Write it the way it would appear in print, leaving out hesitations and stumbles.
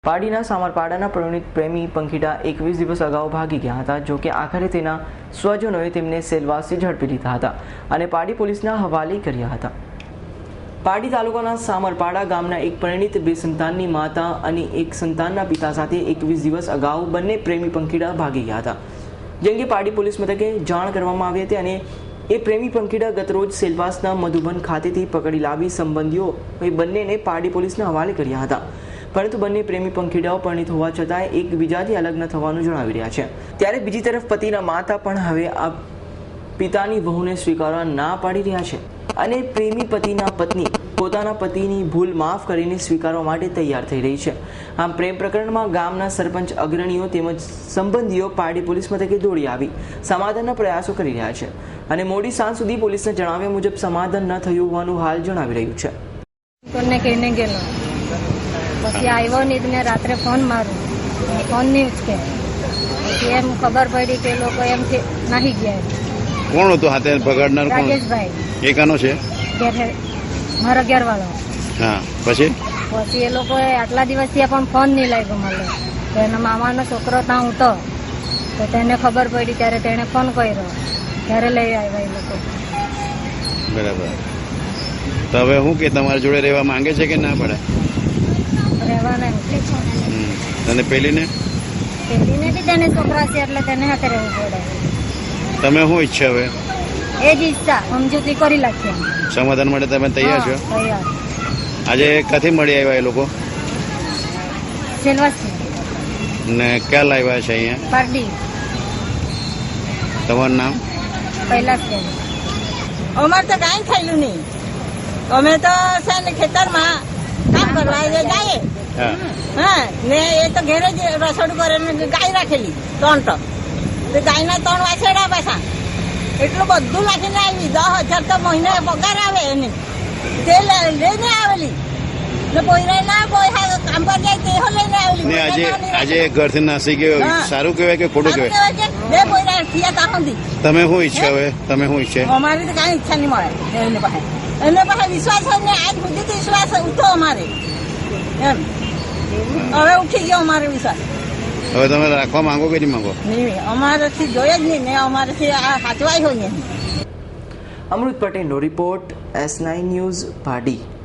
પાડીના સામરપાડાના પરિણીત પ્રેમી પંખીડા 21 દિવસ અગાઉ ભાગી ગયા હતા. જોકે આખરે તેના સ્વજનોએ તેમને સેલવાસથી ઝડપી લીધા હતા અને પાડી પોલીસના હવાલે કર્યા હતા. પાડી તાલુકાના સામરપાડા ગામના એક પરિણીત 2 સંતાનની માતા અને એક સંતાનના પિતા સાથે 21 દિવસ અગાઉ બંને પ્રેમી પંખીડા ભાગી ગયા હતા. જે અંગે પાડી પોલીસ મથકે જાણ કરવામાં આવી હતી અને એ પ્રેમી પંખીડા ગતરોજ સેલવાસના મધુબન ખાતેથી પકડી લાવી સંબંધીઓ બંનેને પાડી પોલીસના હવાલે કર્યા હતા. પરંતુ બંને પ્રેમી પંખીડાઓ પરિણીત હોવા છતાં એકબીજાથી અલગ ન થવાનું જણાવી રહ્યા છે. ત્યારે બીજી તરફ પતિના માતા પણ હવે આ પિતાની વહુને સ્વીકારવા ના પાડી રહ્યા છે અને પ્રેમી પતિના પત્ની પોતાના પતિની ભૂલ માફ કરીને સ્વીકારવા માટે તૈયાર થઈ રહી છે. આમ પ્રેમ પ્રકરણમાં ગામના સરપંચ અગ્રણીઓ તેમજ સંબંધીઓ પાડી પોલીસ મથકે દોડી આવી સમાધાનના પ્રયાસો કરી રહ્યા છે અને મોડી સાંજ સુધી પોલીસના જણાવ્યા મુજબ સમાધાન ન થયું હોવાનું હાલ જણાવી રહ્યું છે. પછી આવ્યો નહીં મેં રાત્રે ફોન મારું, ફોન નહીં ઉચકે. પછી એમ ખબર પડી કે લોકો એમ નાહી ગયા. કોણ હતું હાથે પકડનાર? રાજેશભાઈ. એ કાનો છે? મારા ઘેરવાળો. હા. પછી એ લોકોએ આટલા દિવસથી પણ ફોન નહીં લાગ્યો મને. તો એના મામાનો છોકરો ત્યાં હતો તો તેને ખબર પડી ત્યારે તેને ફોન કર્યો ત્યારે લઈ આવ્યા એ લોકો. બરાબર. તો હવે શું કે તમારી જોડે રહેવા માંગે છે કે ના પડે? અને પેલીને બી તેને છોકરા છે એટલે તેને હાથે રહેવું પડે. તમે શું ઈચ્છા હવે? એ જ ઈચ્છા સમજૂતી કરી નાખીએ. સમાધાન માટે તમે તૈયાર છો? તૈયાર. આજે ક્યાંથી મળી આવ્યા એ લોકો? સેલવાસથી. ને ક્યાં લાવ્યા છે અહીંયા? પારડી. તમારું નામ? કૈલાસ બેન. અમારે તો કાંઈ થયેલું નહીં. અમે તો છે ને ખેતરમાં કામ કરવા જાય. હા ને એ તો ઘેરે જ રસોડું કરે ગાય રાખેલી 3 ટક. ગાયના 3 વાછરડા પાછા એટલું બધું નાખીને આવી. 10,000 તો મહિને પગાર આવે એને તે લઈને આવેલી ને પોઈરા ના કોઈ કામ પર જાય તે લઈને આવેલી. આજે ઘરથી નાસી ગયો. સારું કહેવાય કે ખોટું કહેવાય? 2 પોઈરા થયા ત્યાં સુધી. તમે શું ઈચ્છા હવે? તમે શું ઈચ્છે? અમારી તો કાંઈ ઈચ્છા નહીં મળે. એને પાસે વિશ્વાસ હોય ને આજ સુધી તો વિશ્વાસ ઉઠો અમારે એમ. હવે ઉઠી ગયો અમારો વિશ્વાસ. હવે તમે રાખવા માંગો કે નહીં માંગો? નહીં, અમારાથી જોઈએ જ નહીં ને અમારાથી આ સાચવાય હોય નહીં. અમૃત પટેલનો રિપોર્ટ, S9 ન્યૂઝ, પાડી.